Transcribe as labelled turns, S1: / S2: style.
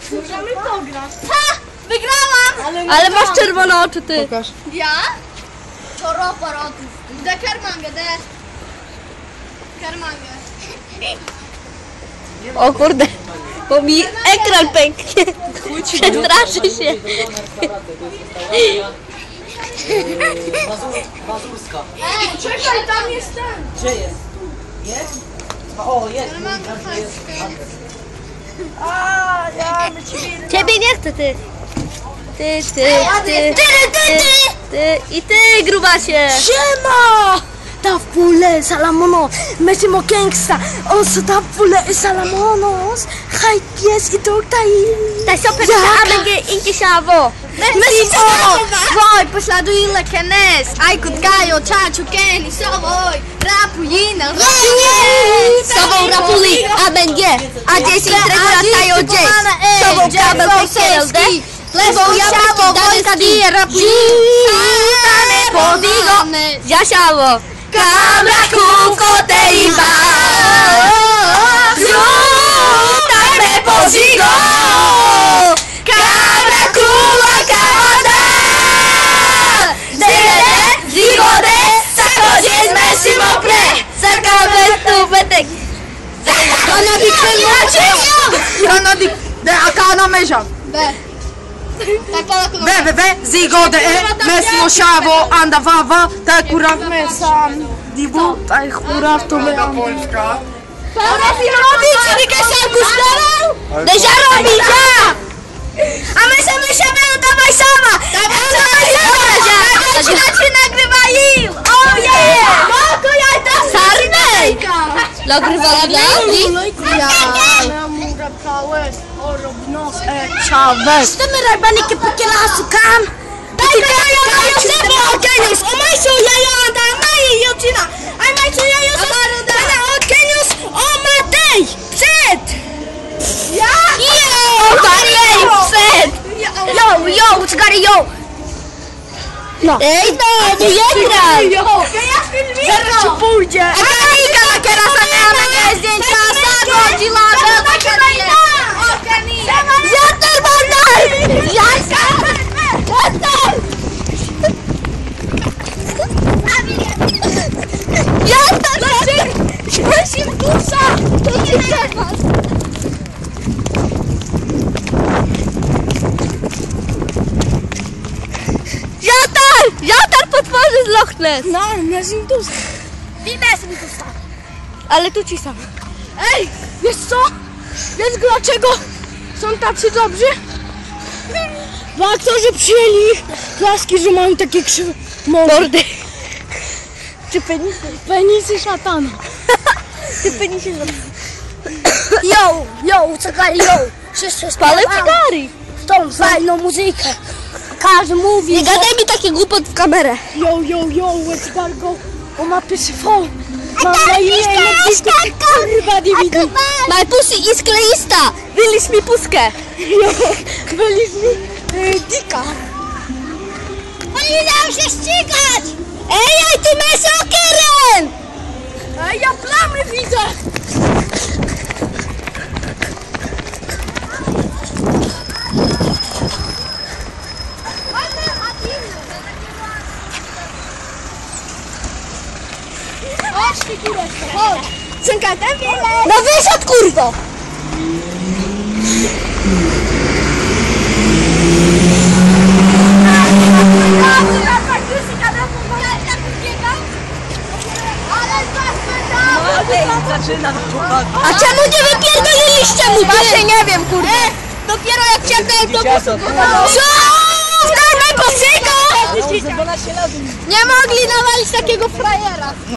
S1: Możemy pograć. Ha! Wygrałam!
S2: Ale masz czerwone oczy, ty.
S3: Pokaż.
S1: Ja? Czoro porotów. De karmangę, de. Karmangę.
S2: O kurde, bo mi ekran pęknie. Przestraszy się.
S4: Mazurska.
S1: Czekaj, tam jest ten.
S4: Gdzie jest? Jest? O, jest.
S1: A, ja my ciebie...
S2: Ciebie nie chcę, ty. Ty i ty, grubasie.
S1: Siema! Ta fule Salamono, mesimo gangsta, oso ta fule Salamonos, hai pies i tutaj.
S2: Daj super, AMG inkisiavo.
S1: Mesimo!
S2: Voi, pośladuj lekenes. Ajkut gajo, čaču, keni, sovoj. Rapujina, Sovou rapuli, AMG. A gdzie się entregura tajo gdzieś. Sovou kabel pekelde. Levou chavo, vojka die, rapujina. Podigo, jašavo. Cabra cuco te iba. Zutame pozigo. Cabra culo cabada. Dele, zigode, sakodzies mesimo pre. Sakabe tu betek.
S1: Ana di kremacie! Ana di... De akana meja. Zigode, mesimo chavo, anda vava, ta kurav mesam. Divu, taj kurav to me am. Robić, Rika się gustował?
S2: Deja robicia!
S1: A my się dawaj sama!
S2: Zaczynacie nagrywali! O je!
S1: Mako, ja tam
S2: Sarnej! Nagrywali dla mnie?
S1: Ja mura pałes, orobnos, Chavez. Estamos raibani que porque la asukan. Dai kayo sebo okenius. O mai so yayo anda mai yotina. Ai mai so yayo ana okenius o matej. Przed. Ja?
S2: O Marej, przed! Yo, czekaj, yo!
S1: No.
S2: Ej, no, nie graj!
S1: Zaraz ci pójdzie.
S2: A Kanika na kierasa miała zdjęcia, sadło, dzilaga, Jater bandar! Jater! Śmieszim dusza! To ci temat! Jatar potworzy z Loch Ness!
S1: No, Nezim Dusa. I Nezim Dusa.
S2: Ale tu ci sam.
S1: Ej, wiesz co? Wiesz dlaczego są tacy dobrzy? Bo aktorzy przyjęli ich klaski, że mają takie krzywe mordy.
S2: Czy penisy?
S1: Penisy szatana.
S2: Ty penisy zrobił.
S1: Yo, czekaj, wszyscy
S2: Palę cygary!
S1: w tą fajną muzykę. Każdy mówi,
S2: Nie gadaj mi takie głupot w kamerę.
S1: yo, let's go. O ma pysyfon. Mam na imię kurwa DVD.
S2: My pussy is kleista! Wyliś mi puskę!
S1: Byliś mi dika.
S2: Oni dają się ścigać! Ej, ty masz okeren!
S1: Ej, ja plamy widzę. Chodź, figureczko, chodź. Czekaj, ten bilet.
S2: No wyszedł, kurwo!
S4: Zaczyna chłopak.
S2: A czemu nie wypierdoliliście mu? Właśnie nie wiem, kurde. Dopiero jak czekałem, to... Co? Daj posyka!
S4: A on za 12 lat.
S2: Nie mogli nawalić takiego frajera.